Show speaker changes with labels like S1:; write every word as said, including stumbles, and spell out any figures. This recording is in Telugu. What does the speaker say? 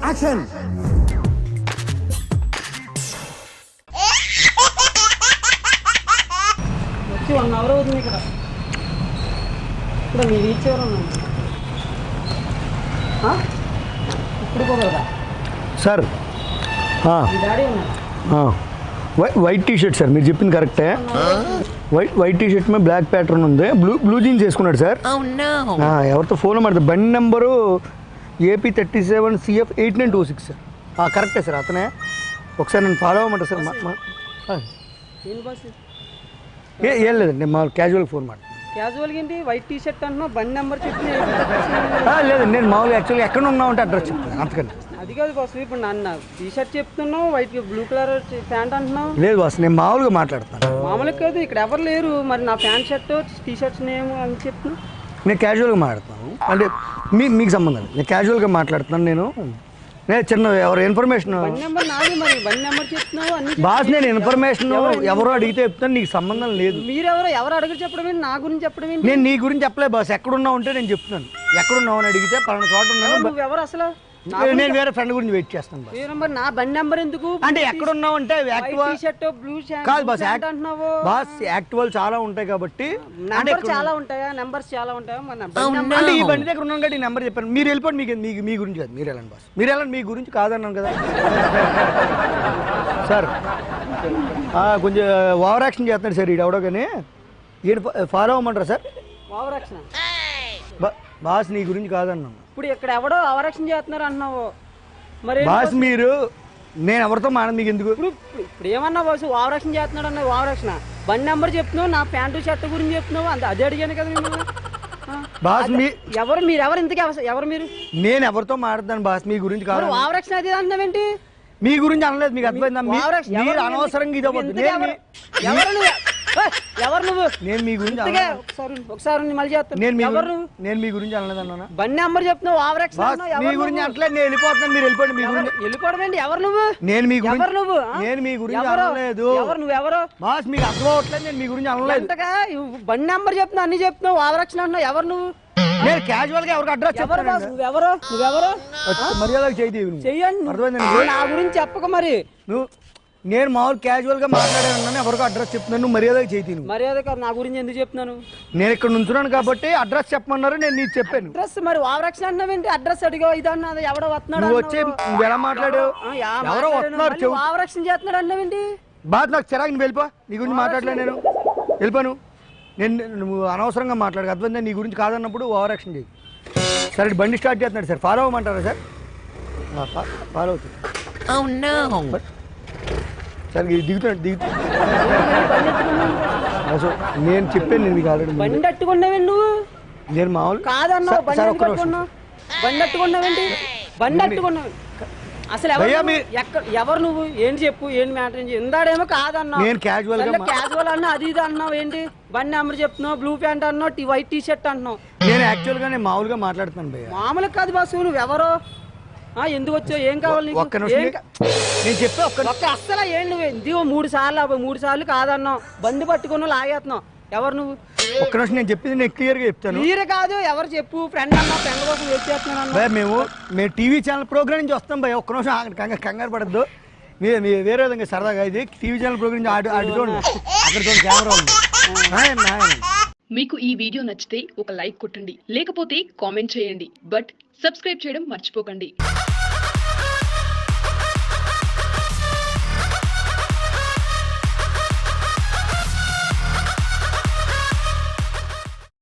S1: యాక్షన్.
S2: వచ్చి వన్ అవర్ అవుతుంది ఇక్కడ. ఇప్పుడు మీరు రీచ్ ఎవరు ఉన్నాను ఇప్పుడు పోగలరా
S1: సార్?
S2: మీ డాడీ ఉన్నారు.
S1: వైట్ టీ షర్ట్ సార్, మీరు చెప్పింది కరెక్టే. వైట్ వైట్ టీ షర్ట్ మీద బ్లాక్ ప్యాటర్న్ ఉంది, బ్లూ బ్లూ జీన్స్ వేసుకున్నాడు సార్. ఎవరితో ఫోన్ మాట్లాడుతుంది? బండి number AP thirty seven CF eight nine two six sir. కరెక్టే సార్, అతనే. ఒకసారి నేను ఫాలో అవ్వమంటారు సార్? ఏ ఏం లేదండి, మా క్యాజువల్ ఫోన్ మాట.
S2: క్యాజువల్గా ఏంటి వైట్ టీ షర్ట్ అంటున్నావు, బండి నెంబర్ చెప్పి
S1: లేదండి, నేను మామూలుగా యాక్చువల్గా ఎక్కడ ఉన్నావు అంటే అడ్రస్ చెప్తాను అంతకండి.
S2: అది కాదు బాస్, ఇప్పుడు నన్ను టీ షర్ట్ చెప్తున్నావు, వైట్ బ్లూ కలర్ ప్యాంట్ అంటున్నావు.
S1: లేదు బాస్, నేను మామూలుగా మాట్లాడుతాను.
S2: మామూలుగా కాదు, ఇక్కడ ఎవరు లేరు, మరి నా pant shirt T shirts name అని చెప్తున్నావు.
S1: నేను క్యాజువల్గా మాట్లాడుతాను, అంటే మీ మీకు సంబంధం లేదు, నేను క్యాజువల్గా మాట్లాడుతున్నాను. నేను నేను చిన్న ఎవరు ఇన్ఫర్మేషన్ బాస్, నేను ఇన్ఫర్మేషన్ ఎవరో అడిగితే చెప్తాను, నీకు సంబంధం లేదు.
S2: మీరెవరో ఎవరు అడిగి చెప్పడం నా గురించి చెప్పడం
S1: నేను నీ గురించి చెప్పలేదు బాస్. ఎక్కడున్నావు అంటే నేను చెప్తున్నాను, ఎక్కడున్నావు అని అడిగితే పలానా చోట ఉన్నాను.
S2: ఎవరు అసలు?
S1: నేను వేరే ఫ్రెండ్ గురించి వెయిట్ చేస్తాను బాస్.
S2: నా బండి నెంబర్ ఎందుకు
S1: అంటే ఎక్కడున్నావు అంటే కాదు బాస్, బాస్ యాక్టివల్ చాలా ఉంటాయి కాబట్టి.
S2: చాలా ఉంటాయా నెంబర్స్? చాలా ఉంటాయా?
S1: అంటే ఈ బండి దగ్గర ఉన్నాను కాబట్టి ఈ నెంబర్ చెప్పాను. మీరు వెళ్ళిపోండి, మీకు మీకు మీ గురించి కాదు, మీరు వెళ్ళండి బాస్, మీరు వెళ్ళండి, మీ గురించి కాదన్నాను కదా సార్. కొంచెం ఓవర్ యాక్షన్ చేస్తున్నాడు సార్ ఈడు ఎవడో, కానీ ఈడు ఫాలో అవ్వమంటారా సార్?
S2: ఓవర్ యాక్షన్
S1: బాస్, నీ గురించి కాదన్నాను.
S2: ఇప్పుడు ఇక్కడ ఎవడో ఓవర్ యాక్షన్ చేస్తున్నారు అన్నావు మరి
S1: బాస్. మీరు నేను ఎవరితో మాట మీకు ఎందుకు?
S2: ఇప్పుడు ఇప్పుడు ఏమన్నా బాస్, ఓవర్ యాక్షన్ చేస్తున్నాడు అన్న. ఓవర్ యాక్షన్ బండి నెంబర్ చెప్తున్నావు, నా ప్యాంటు షర్ట్ గురించి చెప్తున్నావు, అంత అదే అడిగాను కదా మిమ్మల్ని
S1: బాస్. మీ
S2: ఎవరు మీరు? ఎవరు ఇంతకీ ఎవరు మీరు?
S1: నేను ఎవరితో మాట్లాడతాను బాస్, మీ గురించి కాదు.
S2: ఓవర్ యాక్షన్ అది అంటున్నావేంటి?
S1: మీ గురించి అనలేదు, మీకు అర్థమైందా? మీరు అనవసరంగా ఇది
S2: ఎవరు నువ్వు?
S1: నేను మీ గురించి
S2: ఒకసారి మళ్ళీ చేస్తాను.
S1: నేను మీ గురించి అనలేదు అన్నా.
S2: బండి నెంబర్ చెప్తున్నావు, ఓవర్ యాక్షన్
S1: మీ గురించి అట్లేదు. నేను వెళ్ళిపోతున్నాను, మీరు వెళ్ళిపోండి. మీ గురించి
S2: వెళ్ళిపోవడం ఏంటి? ఎవరు నువ్వు?
S1: నేను మీ గురించి
S2: ఎవరు నువ్వు?
S1: నేను మీ గురించి అనలేదు.
S2: ఎవరు నువ్వు? ఎవరు
S1: బాస్? మీకు అర్థం అవ్వట్లేదు, నేను మీ గురించి అనలేదు.
S2: బండి నెంబర్ చెప్తున్నావు, అన్ని చెప్తున్నావు, ఓవర్ యాక్షన్ అంటున్నావు. ఎవరు నువ్వు?
S1: నేను క్యాజువల్ గా ఎవరికి అడ్రస్
S2: చెప్పరు బాస్. నువ్వెవరు? నువ్వెవరు?
S1: మర్యాదగా చెయ్యండి.
S2: చెయ్యండి, నా గురించి చెప్పక. మరి
S1: నువ్వు నేను మామూలు క్యాజువల్ గా మాట్లాడాను, ఎవరికి అడ్రస్ చెప్తున్నాను, నువ్వు మర్యాదగా చేయి.
S2: మర్యాద కాదు, నా గురించి ఎందుకు చెప్తున్నాను?
S1: నేను ఇక్కడ నుంచున్నాను కాబట్టి అడ్రస్ చెప్పమన్నారు, నేను నీకు చెప్పాను.
S2: అడ్రస్ మరి ఓవర్ యాక్షన్ అన్నావేంటి? అడ్రస్ అడిగావు, ఇది అన్నది ఎవడో వస్తున్నాడు.
S1: నువ్వు వచ్చి నువ్వు ఎలా మాట్లాడావు? ఎవరో వస్తున్నారు,
S2: ఓవర్ యాక్షన్ చేస్తున్నాడు అన్నావేంటి?
S1: బాధ నాకు చిరాకు, నువ్వు వెళ్ళిపో. నీ గురించి మాట్లాడలే, నేను వెళ్ళిపోను. నేను నువ్వు అనవసరంగా మాట్లాడు, అర్థమైందా? నీ గురించి కాదన్నప్పుడు ఓవర్ యాక్షన్ చేయి. సరే, బండి స్టార్ట్ చేస్తున్నాడు సార్, ఫాలో అవ్వమంటారా సార్? ఫాలో అవుతుంది సార్. దిగుతాడు దిగుతాడు నేను చెప్పాను, నేను మీకు ఆల్రెడీ.
S2: బండి అట్టుకున్నావే నువ్వు?
S1: నేను మామూలు
S2: కాదన్నావు. బండి అట్టుకున్నావు, బండి అట్టుకున్నావేంటి? బండి అట్టుకున్నావు అసలు ఎక్కడ? ఎవరు నువ్వు? ఏంటి చెప్పు, ఏంటి మ్యాటర్? ఇందాడేమో కాదన్నావు,
S1: నేను క్యాజువల్
S2: క్యాజువల్ అన్నా, అది ఇది అన్నావు. ఏంటి బండి నెంబర్ చెప్తున్నావు, బ్లూ ప్యాంట్ అన్నావు, వైట్ టీ షర్ట్ అంటున్నావు.
S1: నేను యాక్చువల్ గా నేను మామూలుగా మాట్లాడుతాను భయ్య.
S2: మామూలుగా కాదు బాసు, నువ్వెవరో, ఎందుకు వచ్చావు, ఏం కావాలి నీకు?
S1: నేను చెప్పా
S2: ఒక్క అస్సలు ఏం నువ్వు ఇందిగో మూడు సార్లు మూడు సార్లు కాదన్నావు, బండి పట్టుకున్నావు, లాగేస్తున్నావు. ఎవరు నువ్వు?
S1: ఒక్క నిమిషం, నేను చెప్పింది నేను క్లియర్ గా చెప్తాను.
S2: క్లియర్ కాదు, ఎవరు చెప్పు? ఫ్రెండ్ అన్నా, ఫ్రెండ్ కోసం వెయిట్ చేస్తున్నాను.
S1: మేము మేము టీవీ ఛానల్ ప్రోగ్రామ్ నుంచి వస్తాం భయ. ఒక్క నిమిషం కంగారు కంగారు పడద్దు. మీ వేరే విధంగా సరదాగా ఇది టీవీ ఛానల్ ప్రోగ్రామ్ నుంచి అటు అటు చూడండి, అక్కడ చూడండి కెమెరా ఉంది.
S3: మీకు ఈ వీడియో నచ్చితే ఒక లైక్ కొట్టండి, లేకపోతే కామెంట్ చేయండి, బట్ సబ్స్క్రైబ్ చేయడం మర్చిపోకండి.